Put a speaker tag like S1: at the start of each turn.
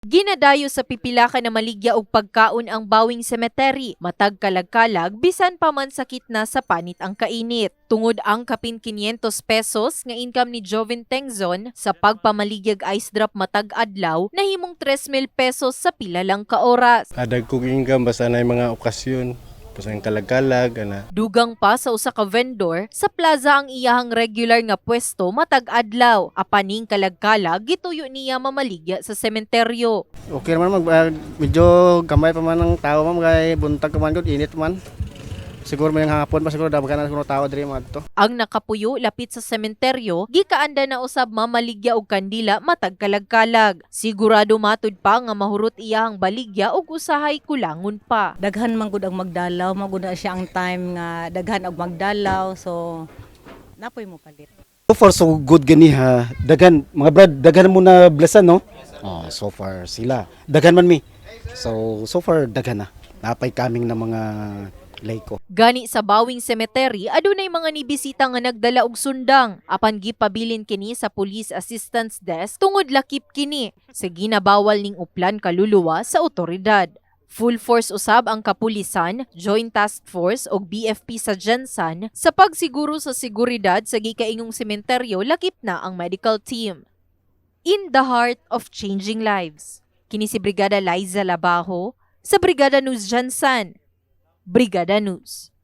S1: Ginadayo sa pipila ka na maligya og pagkaon ang bawing cemetery, matag kalag-kalag bisan pa man sakit na sa panit ang kainit. Tungod ang kapin 500 pesos nga income ni Joven Tengzon sa pagpamaligyag ice drop matag adlaw, nahimong 3,000 pesos sa pila lang ka oras.
S2: Adag kong income basta na mga okasyon, basta ang kalag-kalag, ana.
S1: Dugang pa sa usa ka vendor, sa plaza ang iyahang regular nga pwesto matag adlaw. Apaning kalag-kalag, gituyo niya mamaligya sa sementeryo.
S3: Okay naman medyo gamay pa man ng tao ma'am kay buntag man gud init man. Siguro may hangapon pa siguro dapat na siguro tao diri madto.
S1: Ang nakapuyo lapit sa sementeryo, gikaanda na usab mamaligya og kandila matag kalag-kalag. Sigurado matud pa nga mahurot iyahang baligya og usahay kulangon pa.
S4: Daghan man gud ang magdalaw, maguna siya ang time nga daghan og magdalaw, so napoy mo palit.
S5: So far so good gani ha. Daghan mga brad, daghan mo na blessan no? Oh, so far sila. Daghan man mi. So far daghan na. Napay kaming na mga layko.
S1: Gani sa bawing cemetery, adunay mga nibisita nga nagdala og sundang. Apan gipabilin kini sa Police Assistance Desk tungod lakip kini sa ginabawal ning uplan kaluluwa sa otoridad. Full force usab ang kapulisan, Joint Task Force o BFP sa Jensan sa pagsiguro sa seguridad sa gikaingong sementeryo, lakip na ang medical team. In the heart of changing lives, kini si Brigada Liza Labajo sa Brigada News Jensan. Brigada News.